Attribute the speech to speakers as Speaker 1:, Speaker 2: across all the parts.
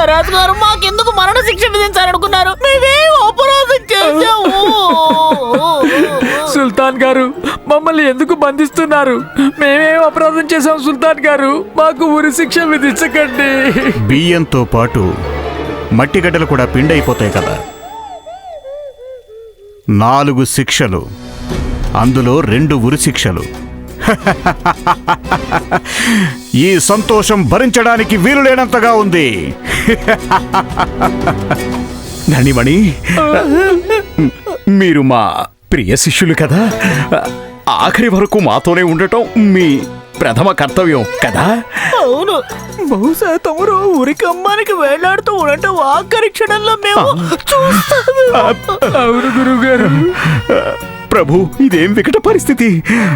Speaker 1: మహారాజు గారు మాకెందుకు మరణ శిక్ష విధించాలనుకున్నారు? మేమేం అపరాధం చేశాము?
Speaker 2: సుల్తాన్ గారు, మమ్మల్ని ఎందుకు బంధిస్తున్నారు? మేమేం అపరాధం చేశాం సుల్తాన్ గారు? మాకు ఉరి శిక్ష విధించకండి.
Speaker 3: బియ్యంతో పాటు మట్టిగడ్డలు కూడా పిండైపోతాయి కదా. 4 శిక్షలు, అందులో 2 ఉరి శిక్షలు. ఈ సంతోషం భరించడానికి వీలు లేనంతగా ఉంది.
Speaker 4: ధనిమణి, మీరు మా ప్రియ శిష్యులు కదా, ఆఖరి వరకు మాతోనే ఉండటం మీ ప్రథమ కర్తవ్యం కదా.
Speaker 1: అవును, బహుశా తమరు ఉరికమ్మానికి వేలాడుతూ ఉండటం ఆఖరి క్షణంలో మేము చూస్తాము.
Speaker 2: అవును గురువు గారు.
Speaker 4: ప్రభు, ఇదేం వికట పరిస్థితి.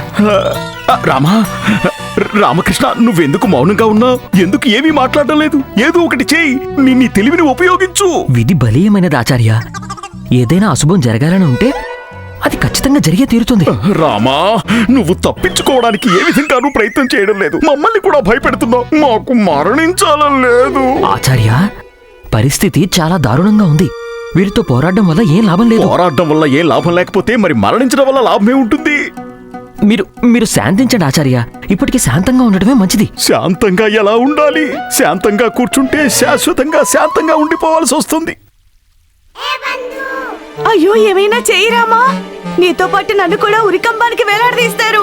Speaker 4: రామకృష్ణ, నువ్వెందుకు మౌనంగా ఉన్నావు? ఎందుకు ఏమీ మాట్లాడడం లేదు? ఏదో ఒకటి చేయి, నీ తెలివిని ఉపయోగించు.
Speaker 5: విధి బలీయమైనది ఆచార్య. ఏదైనా అశుభం జరగాలని ఉంటే అది ఖచ్చితంగా జరిగే తీరుతుంది.
Speaker 4: రామా, నువ్వు తప్పించుకోవడానికి ఏ విధంగానూ ప్రయత్నం చేయడం లేదు. మమ్మల్ని కూడా భయపెడుతున్నావు. మాకు మరణించాలని లేదు.
Speaker 5: ఆచార్య, పరిస్థితి చాలా దారుణంగా ఉంది. వీరితో పోరాడడం వల్ల ఏం లాభం లేదు.
Speaker 4: పోరాడడం వల్ల ఏం లాభం లేకపోతే మరి మరణించడం వల్ల లాభమే ఉంటుంది.
Speaker 5: మీరు శాంతించండి ఆచార్య. ఇప్పటికీ శాంతంగా ఉండటమే మంచిది.
Speaker 4: శాంతంగా ఎలా ఉండాలి? శాంతంగా కూర్చుంటే శాశ్వతంగా శాంతంగా ఉండిపోవాల్సి వస్తుంది.
Speaker 6: అయ్యో, ఏమైనా చెయ్యరామా. నీతో పాటు నన్ను కూడా ఉరికంబానికి వేలాడదీస్తారు.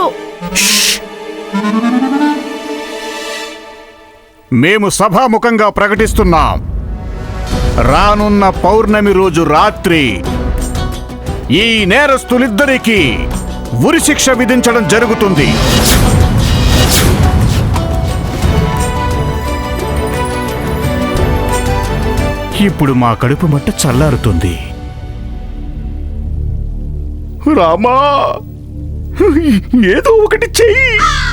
Speaker 3: మేము సభాముఖంగా ప్రకటిస్తున్నాం, రానున్న పౌర్ణమి రోజు రాత్రి ఈ నేరస్తులిద్దరికీ ఉరిశిక్ష విధించడం జరుగుతుంది. ఇప్పుడు మా కడుపు మంట చల్లారుతుంది.
Speaker 4: రామా, ఏదో ఒకటి చెయ్యి.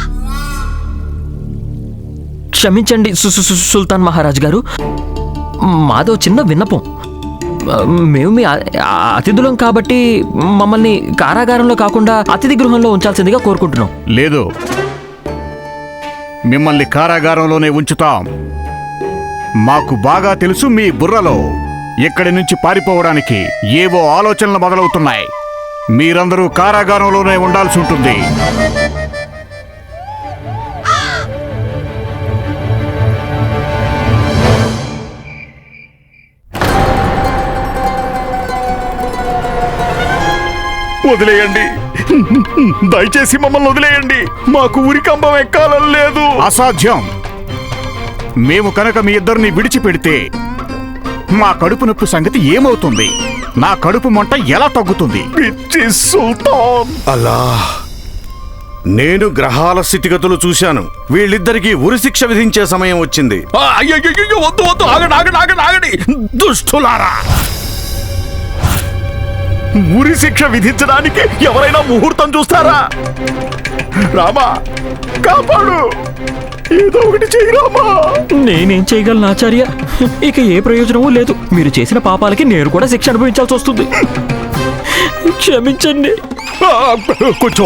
Speaker 5: క్షమించండి సుల్తాన్ మహారాజ్ గారు, మాదో చిన్న విన్నపం. మేము మీ అతిథులం కాబట్టి మమ్మల్ని కారాగారంలో కాకుండా అతిథి గృహంలో ఉంచాల్సిందిగా కోరుకుంటున్నాం.
Speaker 3: లేదు, మిమ్మల్ని కారాగారంలోనే ఉంచుతాం. మాకు బాగా తెలుసు మీ బుర్రలో ఇక్కడి నుంచి పారిపోవడానికి ఏవో ఆలోచనలు మొదలవుతున్నాయి. మీరందరూ కారాగారంలోనే ఉండాల్సి ఉంటుంది.
Speaker 4: వదిలేయండి, దయచేసి మమ్మల్ని వదిలేయండి. మాకు ఉరికంబం ఎక్కాలని లేదు.
Speaker 3: అసాధ్యం. మేము కనుక మీ ఇద్దరిని విడిచిపెడితే మా కడుపు నొప్పి సంగతి ఏమవుతుంది? నా కడుపు మంట ఎలా తగ్గుతుంది?
Speaker 4: పిచ్చి సుల్తాన్.
Speaker 7: అలా నేను గ్రహాల స్థితిగతులు చూశాను. వీళ్ళిద్దరికీ ఉరిశిక్ష విధించే సమయం వచ్చింది.
Speaker 4: అయ్యో, వద్దు వద్దు, ఆగండి. దుష్టులారా, ఉరి శిక్ష విధించడానికి ఎవరైనా ముహూర్తం చూస్తారా? రామా, కాపాడు, ఏదో ఒకటి చెయ్యి రామా.
Speaker 5: నేనేం చేయగలను ఆచార్య? ఇక ఏ ప్రయోజనమూ లేదు. మీరు చేసిన పాపాలకి నేను కూడా శిక్ష అనుభవించాల్సి వస్తుంది. క్షమించండి.
Speaker 4: కొంచెం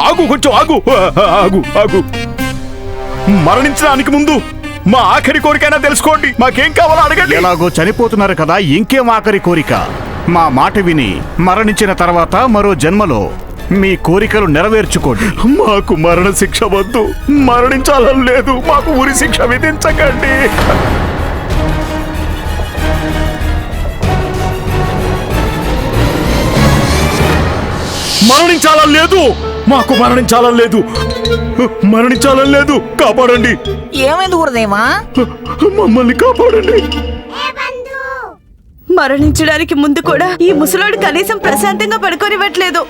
Speaker 4: ఆగు. మరణించడానికి ముందు మా ఆఖరి కోరికైనా తెలుసుకోండి. మాకేం కావాలో అడగండి.
Speaker 3: ఎలాగో చనిపోతున్నారు కదా, ఇంకేం ఆఖరి కోరిక? మా మాట విని మరణించిన తర్వాత మరో జన్మలో మీ కోరికలు నెరవేర్చుకోండి.
Speaker 4: మాకు మరణ శిక్ష వద్దు, మరణించాలని లేదు. మాకు ఉరి శిక్ష విధించకండి. మరణించాలని లేదు, మాకు మరణించాలని లేదు. కాపాడండి.
Speaker 1: ఏమైంది గురుదేవా?
Speaker 4: మమ్మల్ని కాపాడండి.
Speaker 6: మరణించడానికి ముందు కూడా ఈ ముసలోడు కనీసం ప్రశాంతంగా పడుకోనివ్వట్లేదు.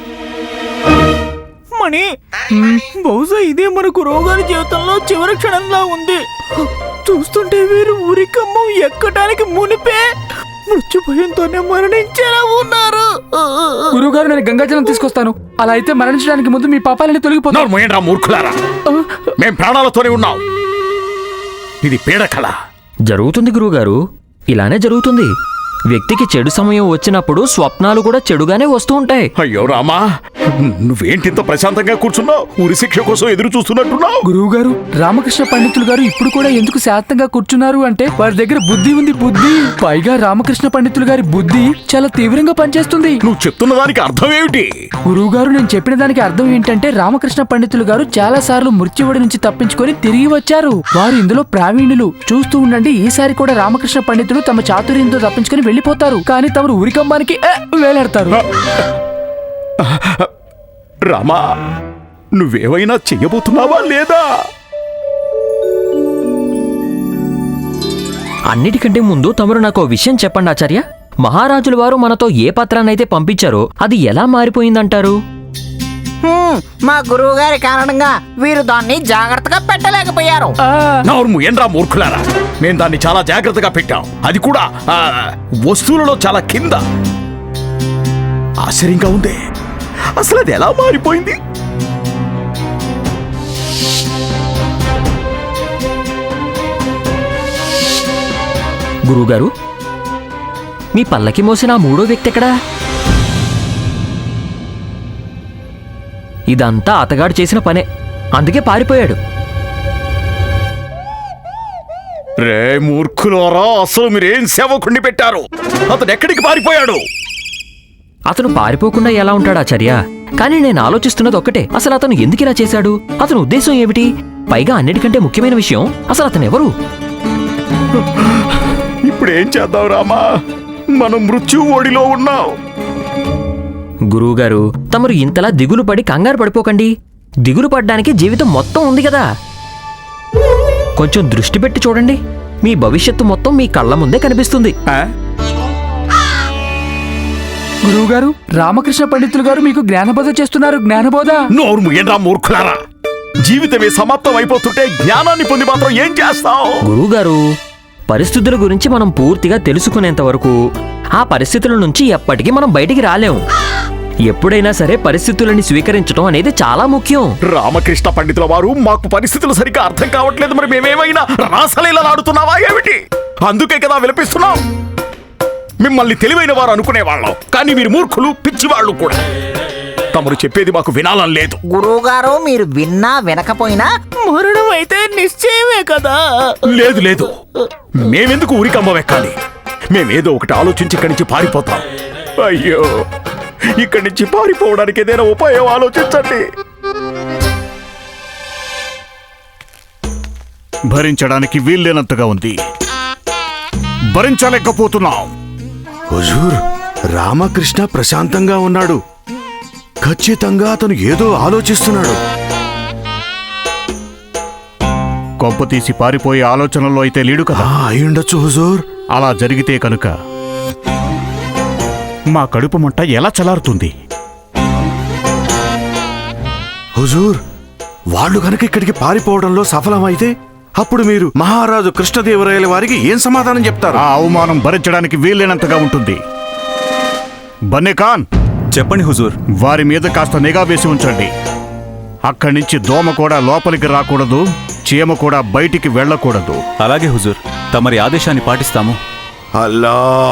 Speaker 1: మణి, బహుశా ఇదే మనకు రోగాల జీవితంలో చివరి క్షణంలా ఉంది. చూస్తుంటే వీరు ఉరికమ్మం ఎక్కడానికి మునిపే మృత్యు భయంతోనే మరణించేలా ఉన్నారు.
Speaker 2: గురువుగారు, నేను గంగాజలం తీసుకొస్తాను. అలా అయితే మరణించడానికి ముందు మీ పాపాలని తొలగిపోతారు.
Speaker 4: మూర్ఖులారా, మేం ప్రాణాలతోనే ఉన్నాం. ఇది పీడకళ.
Speaker 5: జరుగుతుంది గురువుగారు, ఇలానే జరుగుతుంది. వ్యక్తికి చెడు సమయం వచ్చినప్పుడు స్వప్నాలు కూడా చెడుగానే వస్తూ ఉంటాయి.
Speaker 4: అయ్యో రామా, నువ్వేంటి ఇంత ప్రశాంతంగా కూర్చున్నావు? ఉరి శిక్ష కోసం ఎదురు చూస్తున్నట్టున్నావు.
Speaker 2: గురువు గారు, రామకృష్ణ పండితులు గారు ఇప్పుడు కూడా ఎందుకు శాంతంగా కూర్చున్నారు అంటే వారి దగ్గర బుద్ధి ఉంది, బుద్ధి. పైగా రామకృష్ణ పండితులు గారి బుద్ధి చాలా తీవ్రంగా పనిచేస్తుంది.
Speaker 4: నువ్వు చెప్తున్న దానికి అర్థం ఏమిటి?
Speaker 2: గురువు గారు, నేను చెప్పిన దానికి అర్థం ఏంటంటే రామకృష్ణ పండితులు గారు చాలా సార్లు మృత్యువుడి నుంచి తప్పించుకొని తిరిగి వచ్చారు. వారు ఇందులో ప్రావీణ్యులు. చూస్తూ ఉండండి, ఈసారి కూడా రామకృష్ణ పండితులు తమ చాతుర్యంతో తప్పించుకొని వెళ్లిపోతారు. కానీ తమరు ఉరికంబానికి వేలాడతారు.
Speaker 4: రామా, నువ్వేమైనా చెయ్యబోతున్నావా లేదా?
Speaker 5: అన్నిటికంటే ముందు తమరు నాకు ఓ విషయం చెప్పండి ఆచార్య. మహారాజుల వారు మనతో ఏ పత్రాన్నైతే పంపించారో అది ఎలా మారిపోయిందంటారు?
Speaker 1: మా గురువు గారి కారణంగా వీరు దాన్ని జాగ్రత్తగా పెట్టలేకపోయారు.
Speaker 4: నోర్ము ఏంట్రా మూర్ఖులారా, మేము దాన్ని చాలా జాగ్రత్తగా పెట్టాం. అది కూడా వస్తువులలో చాలా కింద. ఆశ్చర్యంగా ఉంది, అసలు అది ఎలా మారిపోయింది?
Speaker 5: గురువుగారు, మీ పల్లకి మోసిన ఆ మూడో వ్యక్తి ఎక్కడా? ఇదంతా అతగాడు చేసిన పనే, అందుకే పారిపోయాడు.
Speaker 4: రే మూర్ఖులారా, అసలు మీరేం సేవకుణ్ణి పెట్టారు? అతను ఎక్కడికి పారిపోయాడు?
Speaker 5: అతను పారిపోకుండా ఎలా ఉంటాడు ఆచార్య? కానీ నేను ఆలోచిస్తున్నది ఒక్కటే, అసలు అతను ఎందుకు ఇలా చేశాడు? అతని ఉద్దేశం ఏమిటి? పైగా అన్నిటికంటే ముఖ్యమైన విషయం, అసలు అతను ఎవరు?
Speaker 4: ఇప్పుడు ఏం చేద్దాం రామా? మనం మృత్యు ఓడిలో ఉన్నాం.
Speaker 5: గురువుగారు, తమరు ఇంతలా దిగులు పడి కంగారు పడిపోకండి. దిగులు పడ్డానికి జీవితం మొత్తం ఉంది కదా. కొంచెం దృష్టి పెట్టి చూడండి, మీ భవిష్యత్తు మొత్తం మీ కళ్ళ ముందే కనిపిస్తుంది.
Speaker 2: గురువు గారు, రామకృష్ణ పండితులు గారు మీకు జ్ఞానబోధ చేస్తున్నారు. జ్ఞానబోధ.
Speaker 4: నోరు ముయ్యండ్రా మూర్ఖులారా, జీవితమే సమాప్తం అయిపోతుంటే జ్ఞానాన్ని పొంది మాత్రం ఏం చేస్తావు?
Speaker 5: గురువుగారు, పరిస్థితుల గురించి మనం పూర్తిగా తెలుసుకునేంత వరకు ఆ పరిస్థితుల నుంచి ఎప్పటికీ మనం బయటికి రాలేము. ఎప్పుడైనా సరే పరిస్థితులని స్వీకరించడం అనేది చాలా ముఖ్యం.
Speaker 4: రామకృష్ణ పండితుల వారు, మాకు పరిస్థితులు సరిగ్గా అర్థం కావట్లేదు, మరి మేమేమైనా రాసలీలా ఆడుతున్నావా ఏమిటి? అందుకే కదా విలపిస్తున్నాం. మిమ్మల్ని తెలివైన వారు అనుకునేవాళ్ళం, కానీ మీరు మూర్ఖులు, పిచ్చివాళ్ళు కూడా. తమరు చెప్పేది మాకు వినాలని లేదు.
Speaker 1: గురువు గారు, మీరు విన్నా వినకపోయినా మరణం అయితే నిశ్చయమే కదా.
Speaker 4: లేదు లేదు, మేమెందుకు ఊరికమ్మ వెక్కాలి? మేమేదో ఒకటి ఆలోచించి ఇక్కడి నుంచి పారిపోతాం. అయ్యో, ఇక్కడి నుంచి పారిపోవడానికి ఏదైనా ఉపాయం ఆలోచించండి.
Speaker 3: భరించడానికి వీల్లేనంతగా ఉంది. భరించలేకపోతున్నాం.
Speaker 7: హుజూర్, రామకృష్ణ ప్రశాంతంగా ఉన్నాడు. ఖచ్చితంగా అతను ఏదో ఆలోచిస్తున్నాడు.
Speaker 3: కొంప తీసి పారిపోయే ఆలోచనలో అయితే లేడు కదా.
Speaker 7: అయ్యుండొచ్చు హుజూర్.
Speaker 3: అలా జరిగితే కనుక మా కడుపు మంట ఎలా చలారుతుంది?
Speaker 7: హుజూర్, వాళ్ళు కనుక ఇక్కడికి పారిపోవడంలో సఫలమైతే అప్పుడు మీరు మహారాజు కృష్ణదేవరాయల వారికి ఏం సమాధానం చెప్తారు?
Speaker 3: ఆ అవమానం భరించడానికి వీల్లేనంతగా ఉంటుంది. బన్నే ఖాన్,
Speaker 8: చెప్పండి హుజూర్.
Speaker 3: వారి మీద కాస్త నిఘా వేసి ఉంచండి. అక్కడి నుంచి దోమ కూడా లోపలికి రాకూడదు, చీమ కూడా బయటికి వెళ్ళకూడదు.
Speaker 8: అలాగే హుజూర్, తమరి ఆదేశాన్ని పాటిస్తాము.
Speaker 7: అల్లా,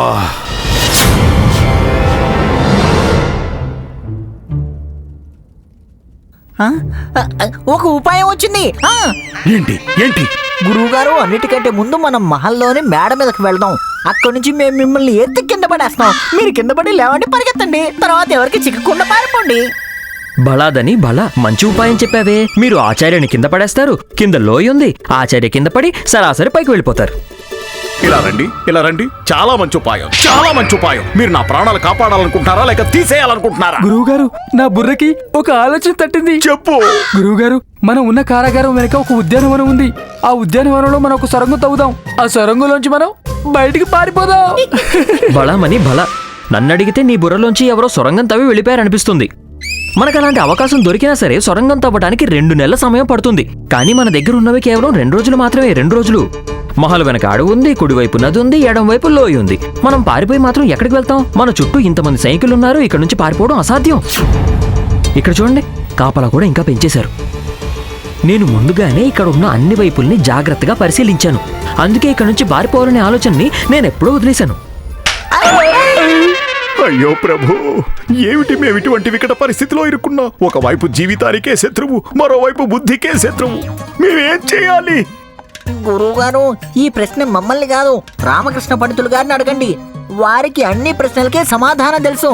Speaker 1: ఒక ఉపాయం వచ్చింది.
Speaker 4: ఏంటి ఏంటి?
Speaker 1: గురువు గారు, అన్నిటికంటే ముందు మనం మహల్లోని మేడ మీదకి వెళ్దాం. అక్కడి నుంచి మేము మిమ్మల్ని ఎత్తి కింద పడేస్తాం. మీరు కింద పడి లేవండి, పరిగెత్తండి. తర్వాత ఎవరికి చిక్కకుండా పారిపోండి.
Speaker 5: బలాదని బలా, మంచి ఉపాయం చెప్పావే. మీరు ఆచార్యని కింద పడేస్తారు, కింద లోయ ఉంది, ఆచార్య కింద పడి సరాసరి పైకి వెళ్ళిపోతారు.
Speaker 4: ఇలా రండి, ఇలా రండి. చాలా మంచి ఉపాయం, చాలా మంచి ఉపాయం. మీరు నా ప్రాణాలు కాపాడాలనుకుంటున్నారా లేక తీసేయాలనుకుంటున్నారా?
Speaker 2: గురువు గారు, నా బుర్రకి ఒక ఆలోచన తట్టింది.
Speaker 4: చెప్పు.
Speaker 2: గురువు గారు, మనం ఉన్న కారాగారం వెనక ఒక ఉద్యానవనం ఉంది. ఆ ఉద్యానవనంలో మనం ఒక సొరంగం తవ్వుదాం. ఆ సొరంగంలోంచి మనం బయటికి పారిపోదాం.
Speaker 5: బలామని బలా, నన్నడిగితే నీ బుర్రలోంచి ఎవరో సొరంగం తవ్వి వెళ్ళిపోయారనిపిస్తుంది. మనకు అలాంటి అవకాశం దొరికినా సరే సొరంగం తవ్వడానికి 2 నెలల సమయం పడుతుంది. కానీ మన దగ్గర ఉన్నవి కేవలం 2 రోజులు మాత్రమే. 2 రోజులు. మహల్ వెనక అడవి ఉంది, కుడివైపు నది ఉంది, ఎడం వైపు లోయ ఉంది. మనం పారిపోయి మాత్రం ఎక్కడికి వెళ్తాం? మన చుట్టూ ఇంతమంది సైనికులు ఉన్నారు, ఇక్కడ నుంచి పారిపోవడం అసాధ్యం. ఇక్కడ చూడండి, కాపలా కూడా ఇంకా పెంచేశారు. నేను ముందుగానే ఇక్కడ ఉన్న అన్ని వైపుల్ని జాగ్రత్తగా పరిశీలించాను. అందుకే ఇక్కడ నుంచి పారిపోవాలనే ఆలోచనని నేను ఎప్పుడూ వదిలేశాను.
Speaker 4: అయ్యో ప్రభు, ఏమిటి మేము ఇటువంటి వికట పరిస్థితిలో ఇరుక్కున్నాం? ఒకవైపు జీవితానికే శత్రువు, మరోవైపు బుద్ధికే శత్రువు. మేమేం చేయాలి?
Speaker 9: గురువుగారు, ఈ ప్రశ్న మమ్మల్ని కాదు, రామకృష్ణ పండితులు గారిని అడగండి. వారికి అన్ని ప్రశ్నలకే సమాధానం తెలుసు.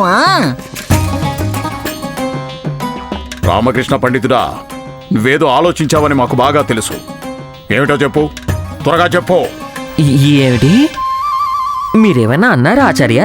Speaker 4: రామకృష్ణ పండితుడా, నువ్వేదో ఆలోచించావని మాకు బాగా తెలుసు. ఏమిటో చెప్పు, త్వరగా చెప్పు.
Speaker 5: ఏమిటి? మీరేమైనా అన్నారా ఆచార్య?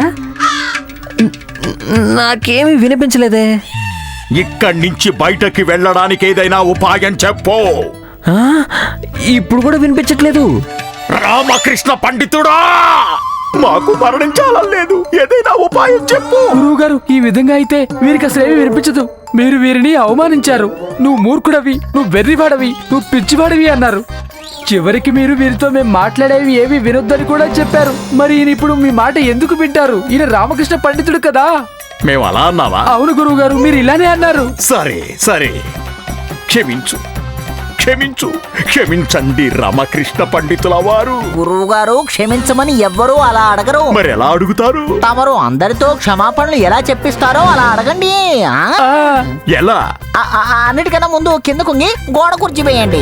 Speaker 5: నాకేమీ వినిపించలేదే.
Speaker 4: ఇక్కడి నుంచి బయటకి వెళ్ళడానికి ఏదైనా ఉపాయం చెప్పు.
Speaker 5: ఆ, ఇప్పుడు కూడా వినిపించట్లేదు.
Speaker 4: రామకృష్ణ పండితుడా, మాకు మరణించాలని లేదు, ఏదైనా ఉపాయం చెప్పు.
Speaker 2: గురువు గారు, ఈ విధంగా అయితే వీరికి అసలు ఏమీ వినిపించదు. మీరు వీరిని అవమానించారు. నువ్వు మూర్ఖుడవి, నువ్వు వెర్రివాడవి, నువ్వు పిచ్చివాడివి అన్నారు. చివరికి మీరు వీరితో మేము మాట్లాడేవి ఏవి వినొద్దని కూడా చెప్పారు. మరి ఈయన ఇప్పుడు మీ మాట ఎందుకు వింటారు? ఈయన రామకృష్ణ పండితుడు కదా.
Speaker 4: మేము అలా అన్నావా?
Speaker 2: అవును గురువు గారు, మీరు ఇలానే అన్నారు.
Speaker 4: సరే సరే, క్షమించు క్షమించు క్షమించండి రామకృష్ణ పండితుల వారు.
Speaker 9: గురువు గారు, క్షమించమని ఎవ్వరూ అలా అడగరు.
Speaker 4: మరి ఎలా అడుగుతారు?
Speaker 9: తమరు అందరితో క్షమాపణలు ఎలా చెప్పిస్తారో అలా అడగండి.
Speaker 4: ఎలా?
Speaker 9: అన్నిటికన్నా ముందు కింద కుంగి గోడ కుర్చీ వేయండి.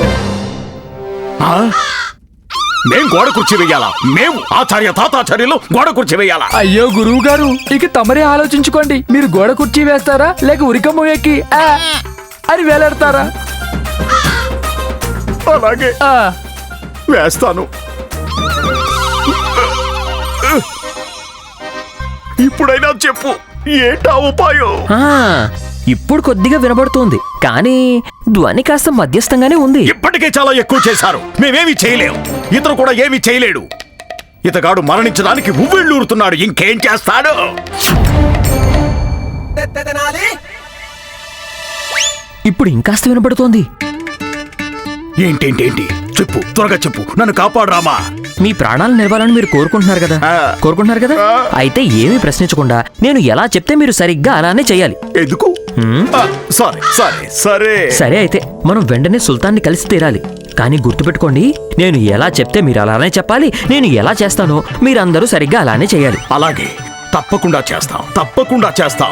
Speaker 4: మేం గోడ కుర్చీ వెయ్యాలా? మేము ఆచార్య తాతాచార్యులు గోడ కుర్చీ వెయ్యాలా?
Speaker 2: అయ్యో గురువు గారు, ఇక తమరే ఆలోచించుకోండి. మీరు గోడ కుర్చీ వేస్తారా, లేక ఉరికమ్మ ఎక్కి అని వేలాడతారా?
Speaker 4: అలాగే వేస్తాను. ఇప్పుడైనా చెప్పు, ఏంటా ఉపాయం?
Speaker 5: ఇప్పుడు కొద్దిగా వినబడుతోంది, కానీ ధ్వని కాస్త మధ్యస్థంగానే ఉంది.
Speaker 4: ఇప్పటికే చాలా ఎక్కువ చేశారు, మేమేమీ చేయలేం. ఇతను కూడా ఏమీ చేయలేడు. ఇతగాడు మరణించడానికి ఉవ్విళ్ళూరుతున్నాడు, ఇంకేం చేస్తాడు?
Speaker 5: ఇప్పుడు ఇంకాస్త వినబడుతోంది.
Speaker 4: ఏంటేంటేంటి? చెప్పు, త్వరగా చెప్పు, నన్ను కాపాడు రామా.
Speaker 5: మీ ప్రాణాలు నిలవాలని మీరు కోరుకుంటున్నారు కదా? కోరుకుంటున్నారు కదా? అయితే ఏమీ ప్రశ్నించకుండా నేను ఎలా చెప్తే మీరు సరిగ్గా అలానే చెయ్యాలి.
Speaker 4: ఎందుకు? సరే సరే సరే
Speaker 5: సరే, అయితే మనం వెంటనే సుల్తాన్ని కలిసి తీరాలి. కానీ గుర్తుపెట్టుకోండి, నేను ఎలా చెప్తే మీరు అలానే చెప్పాలి. నేను ఎలా చేస్తానో మీరందరూ సరిగ్గా అలానే చేయాలి.
Speaker 4: అలాగే, తప్పకుండా చేస్తాం, తప్పకుండా చేస్తాం.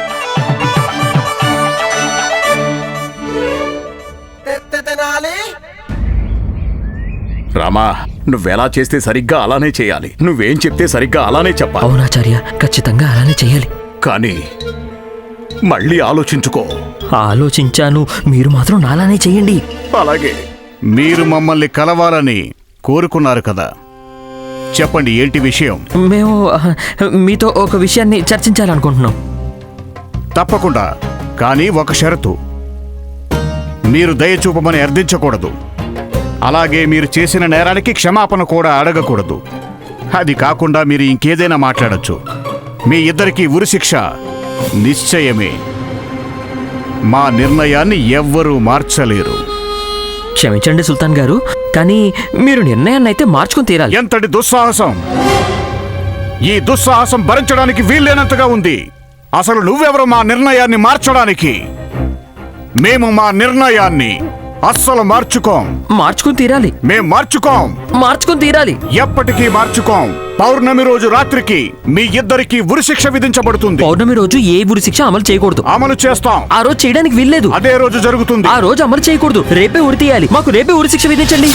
Speaker 4: రామా, నువ్వెలా చేస్తే సరిగ్గా అలానే చేయాలి. నువ్వేం చెప్తే సరిగ్గా అలానే చెప్పాలి.
Speaker 5: అవునాచార్య, ఖచ్చితంగా అలానే చేయాలి.
Speaker 4: కానీ మళ్ళీ ఆలోచించుకో.
Speaker 5: ఆలోచించాను, మీరు మాత్రం నాలానే చెయ్యండి.
Speaker 4: అలాగే.
Speaker 3: మీరు మమ్మల్ని కలవాలని కోరుకున్నారు కదా, చెప్పండి ఏంటి విషయం?
Speaker 5: మేము మీతో ఒక విషయాన్ని చర్చించాలనుకుంటున్నాం.
Speaker 3: తప్పకుండా, కానీ ఒక షరతు. మీరు దయ చూపమని అర్థించకూడదు. అలాగే మీరు చేసిన నేరానికి క్షమాపణ కూడా అడగకూడదు. అది కాకుండా మీరు ఇంకేదైనా మాట్లాడచ్చు. మీ ఇద్దరికీ ఉరిశిక్ష నిశ్చయమే. మా నిర్ణయాన్ని ఎవ్వరూ మార్చలేరు.
Speaker 5: క్షమించండి సుల్తాన్ గారు, కానీ మీరు నిర్ణయాన్ని అయితే మార్చుకుని తీరాలి.
Speaker 3: ఎంతటి దుస్సాహసం! ఈ దుస్సాహసం భరించడానికి వీల్లేనంతగా ఉంది. అసలు నువ్వెవరు మా నిర్ణయాన్ని మార్చడానికి? మేము మా నిర్ణయాన్ని అస్సలు మార్చుకోం.
Speaker 5: మార్చుకుని తీరాలి.
Speaker 3: మేం మార్చుకుని
Speaker 5: తీరాలి.
Speaker 3: ఎప్పటికీ మార్చుకోం. పౌర్ణమి రోజు రాత్రికి మీ ఇద్దరికి ఉరిశిక్ష విధించబడుతుంది.
Speaker 5: పౌర్ణమి రోజు ఏ ఉరి శిక్ష అమలు చేయకూడదు.
Speaker 3: అమలు చేస్తాం.
Speaker 5: ఆ రోజు చేయడానికి వీల్లేదు.
Speaker 3: అదే రోజు జరుగుతుంది.
Speaker 5: ఆ రోజు అమలు చేయకూడదు. రేపే ఉరి తీయాలి. మాకు రేపే ఉరి శిక్ష విధించండి.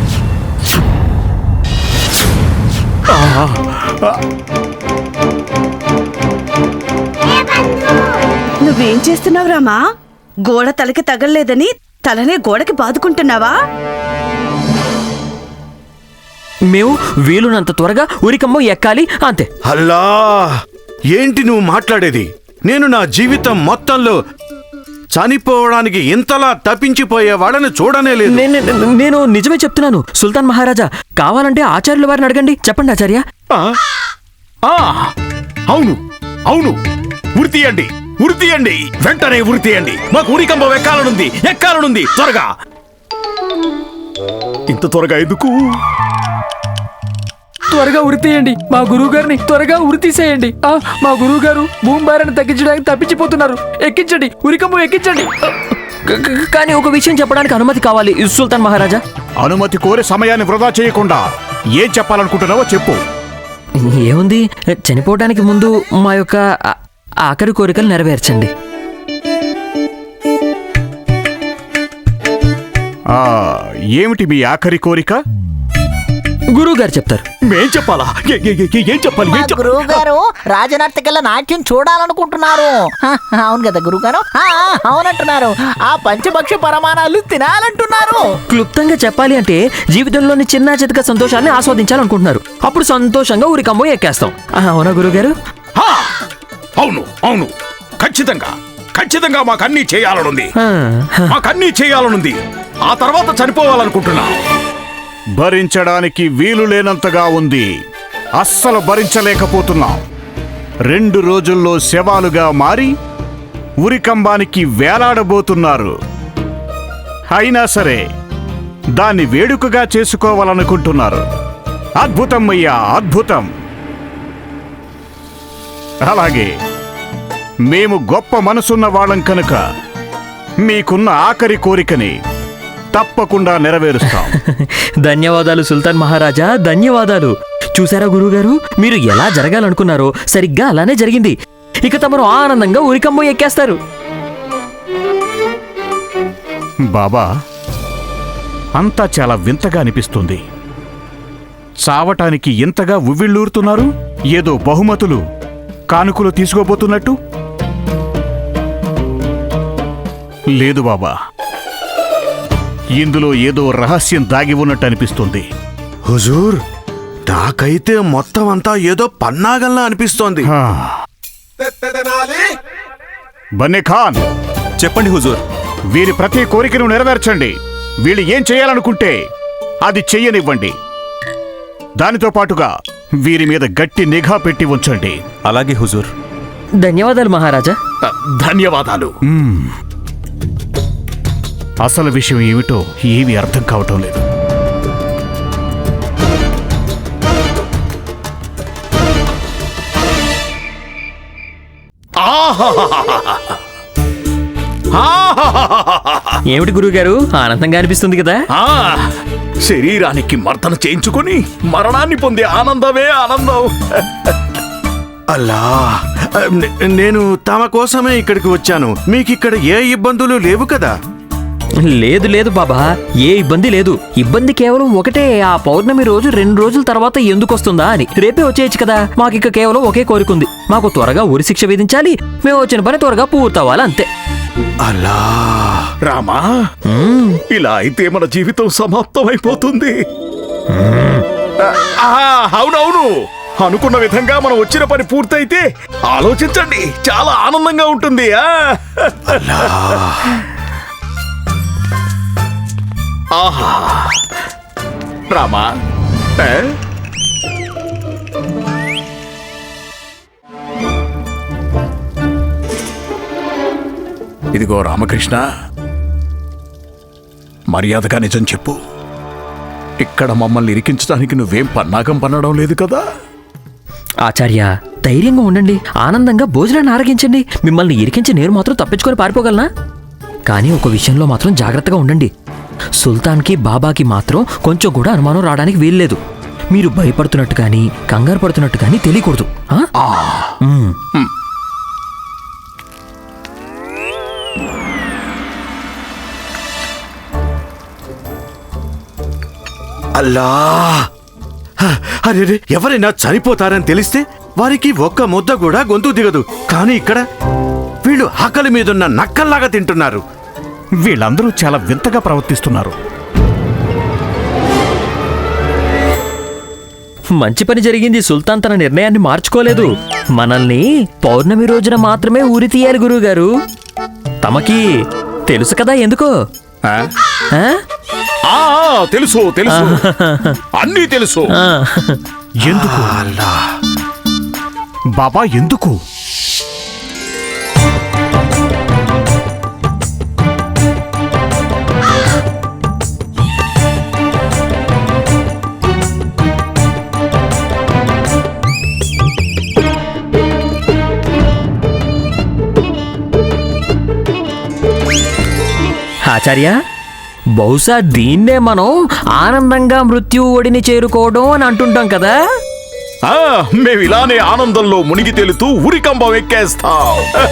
Speaker 6: నువ్వేం చేస్తున్నావు రామా? గోడ తలకి తగలలేదని తలనే గోడకి బాదుకుంటున్నావా?
Speaker 5: మేము వీలునంత త్వరగా ఉరికమ్మ ఎక్కాలి, అంతే.
Speaker 7: అల్లా, ఏంటి నువ్వు మాట్లాడేది? నేను నా జీవితం మొత్తంలో చనిపోవడానికి ఇంతలా తప్పించిపోయే వాళ్ళని చూడనే లేదు.
Speaker 5: నేను నిజమే చెప్తున్నాను సుల్తాన్ మహారాజా. కావాలంటే ఆచార్యుల వారిని అడగండి. చెప్పండి ఆచార్య.
Speaker 4: అవును అవును, ఉరి తీయండి, ఉరి తీయండి, వెంటనే ఉరి తీయండి. మాకు ఉరికంబం ఎక్కాలనుంది త్వరగా. ఇంత త్వరగా ఎందుకు?
Speaker 2: త్వరగా ఉరి తీయండి. మా గురువు గారిని త్వరగా ఉరి తీసేయండి. మా గురువు గారు భూమి భారాన్ని తగ్గించడానికి తప్పించిపోతున్నారు. ఎక్కించండి, ఉరికమ్మ ఎక్కించండి.
Speaker 5: కానీ ఒక విషయం చెప్పడానికి అనుమతి కావాలి సుల్తాన్ మహారాజా.
Speaker 3: అనుమతి కోరే సమయాన్ని వృధా చేయకుండా ఏం చెప్పాలనుకుంటున్నావో చెప్పు.
Speaker 5: ఏముంది, చనిపోవడానికి ముందు మా యొక్క ఆఖరి కోరికలు నెరవేర్చండి.
Speaker 3: ఏమిటి మీ ఆఖరి కోరిక?
Speaker 5: గురువు గారు చెప్తారు.
Speaker 4: మేం చెప్పాలా? ఏం చెప్పాలి?
Speaker 9: గురువు గారు రాజనర్తకెళ్ళ నాట్యం చూడాలనుకుంటున్నారు. అవును కదా గురువు గారు, అవునంటున్నారు. ఆ పంచభక్ష పరమాణాలు తినాలంటున్నారు.
Speaker 5: క్లుప్తంగా చెప్పాలి అంటే జీవితంలోని చిన్న చితక సంతోషాన్ని ఆస్వాదించాలనుకుంటున్నారు. అప్పుడు సంతోషంగా ఊరికమ్మో ఎక్కేస్తాం. అవునా గురువుగారు?
Speaker 4: అవును అవును, ఖచ్చితంగా ఖచ్చితంగా మాకన్నీ చేయాలనుంది. మాకన్నీ చేయాలనుంది. ఆ తర్వాత చనిపోవాలనుకుంటున్నా.
Speaker 3: భరించడానికి వీలు లేనంతగా ఉంది. అస్సలు భరించలేకపోతున్నాం. 2 రోజుల్లో శవాలుగా మారి ఉరికంబానికి వేలాడబోతున్నారు. అయినా సరే దాన్ని వేడుకగా చేసుకోవాలనుకుంటున్నారు. అద్భుతం అయ్యా, అద్భుతం. అలాగే మేము గొప్ప మనసున్న వాళ్ళం కనుక మీకున్న ఆఖరి కోరికని తప్పకుండా నెరవేరుస్తాం.
Speaker 5: ధన్యవాదాలు సుల్తాన్ మహారాజా, ధన్యవాదాలు. చూసారా గురువుగారు, మీరు ఎలా జరగాలనుకున్నారో సరిగ్గా అలానే జరిగింది. ఇక తమరు ఆనందంగా ఊరికమ్మో ఎక్కేస్తారు.
Speaker 3: బాబా, అంతా చాలా వింతగా అనిపిస్తుంది. చావటానికి ఇంతగా ఉవ్విళ్ళూరుతున్నారు. ఏదో బహుమతులు కానుకలు తీసుకోబోతున్నట్టు. లేదు బాబా, ఇందులో ఏదో రహస్యం దాగి ఉన్నట్టు అనిపిస్తుంది.
Speaker 7: హుజూర్, నాకైతే మొత్తం అంతా ఏదో పన్నాగంలా అనిపిస్తోంది.
Speaker 3: బన్నే ఖాన్,
Speaker 8: చెప్పండి హుజూర్.
Speaker 3: వీరి ప్రతి కోరికను నెరవేర్చండి. వీళ్ళు ఏం చేయాలనుకుంటే అది చెయ్యనివ్వండి. దానితో పాటుగా వీరి మీద గట్టి నిఘా పెట్టి ఉంచండి.
Speaker 8: అలాగే హుజూర్.
Speaker 5: ధన్యవాదాలు మహారాజా.
Speaker 4: ధన్యవాదాలు.
Speaker 3: అసలు విషయం ఏమిటో ఏమీ అర్థం కావటం లేదు.
Speaker 5: ఏమిటి గురువుగారు, ఆనందంగా అనిపిస్తుంది కదా?
Speaker 4: శరీరానికి మర్దన చేయించుకొని మరణాన్ని పొందే ఆనందమే ఆనందం.
Speaker 7: అల్లా, నేను తమ కోసమే ఇక్కడికి వచ్చాను. మీకిక్కడ ఏ ఇబ్బందులు లేవు కదా?
Speaker 5: లేదు లేదు బాబా, ఏ ఇబ్బంది లేదు. ఇబ్బంది కేవలం ఒకటే, ఆ పౌర్ణమి రోజు 2 రోజుల తర్వాత ఎందుకు వస్తుందా అని. రేపే వచ్చేయచ్చు కదా. మాకిక కేవలం ఒకే కోరికుంది. మాకు త్వరగా ఉరి శిక్ష విధించాలి. మేము వచ్చిన పని త్వరగా పూర్తవ్వాలి, అంతే.
Speaker 7: అలా
Speaker 4: రామా, ఇలా అయితే మన జీవితం సమాప్తమైపోతుంది. అవునవును, అనుకున్న విధంగా మనం వచ్చిన పని పూర్తయితే ఆలోచించండి, చాలా ఆనందంగా ఉంటుంది. ఆహా రామా, ఇదిగో రామకృష్ణ, మర్యాదగా నిజం చెప్పు. ఇక్కడ మమ్మల్ని ఇరికించడానికి నువ్వేం పన్నాగం పన్నడం లేదు కదా?
Speaker 5: ఆచార్య, ధైర్యంగా ఉండండి. ఆనందంగా భోజనాన్ని ఆరగించండి. మిమ్మల్ని ఇరికించి నేను మాత్రం తప్పించుకొని పారిపోగలనా? కానీ ఒక విషయంలో మాత్రం జాగ్రత్తగా ఉండండి. సుల్తాన్కి బాబాకి మాత్రం కొంచెం కూడా అనుమానం రావడానికి వీల్లేదు. మీరు భయపడుతున్నట్టు కానీ కంగారు పడుతున్నట్టు కానీ తెలియకూడదు.
Speaker 7: అల్లా, అరే, ఎవరైనా చనిపోతారని తెలిస్తే వారికి ఒక్క ముద్ద కూడా గొంతు దిగదు. కానీ ఇక్కడ వీళ్ళు ఆకలి మీదున్న నక్కల్లాగా తింటున్నారు.
Speaker 3: వీళ్ళందరూ చాలా వింతగా ప్రవర్తిస్తున్నారు.
Speaker 5: మంచి పని జరిగింది. సుల్తాన్ తన నిర్ణయాన్ని మార్చుకోలేదు. మనల్ని పౌర్ణమి రోజున మాత్రమే ఊరి తీయాలి గురువుగారు. తమకి తెలుసు కదా ఎందుకో?
Speaker 4: తెలుసు తెలుసు, అన్నీ తెలుసు.
Speaker 3: ఎందుకు బాబా, ఎందుకు?
Speaker 5: ఆచార్య, బహుశా దీన్నే మనం ఆనందంగా మృత్యు ఒడిని చేరుకోవడం అని అంటుంటాం కదా.
Speaker 4: మేము ఇలానే ఆనందంలో మునిగి తేలుతూ ఉరికంబం ఎక్కేస్తాం.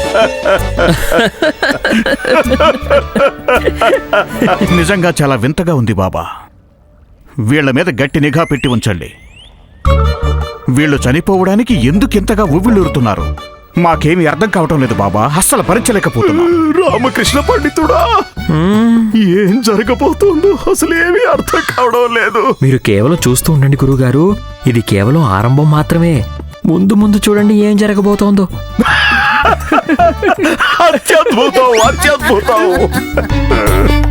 Speaker 3: నిజంగా చాలా వింతగా ఉంది బాబా. వీళ్ల మీద గట్టి నిఘా పెట్టి ఉంచండి. వీళ్ళు చనిపోవడానికి ఎందుకింతగా ఉవ్విళ్ళూరుతున్నారు మాకేమీ అర్థం కావటం లేదు బాబా. అస్సలు భరించలేకపోతున్నా.
Speaker 4: రామకృష్ణ పండితుడా, ఏం జరగబోతుందో అసలు ఏమీ అర్థం కావడం లేదు.
Speaker 5: మీరు కేవలం చూస్తూ ఉండండి గురుగారు, ఇది కేవలం ఆరంభం మాత్రమే. ముందు ముందు చూడండి ఏం జరగబోతోందో.
Speaker 4: అత్యద్భుతం, అత్యద్భుతం.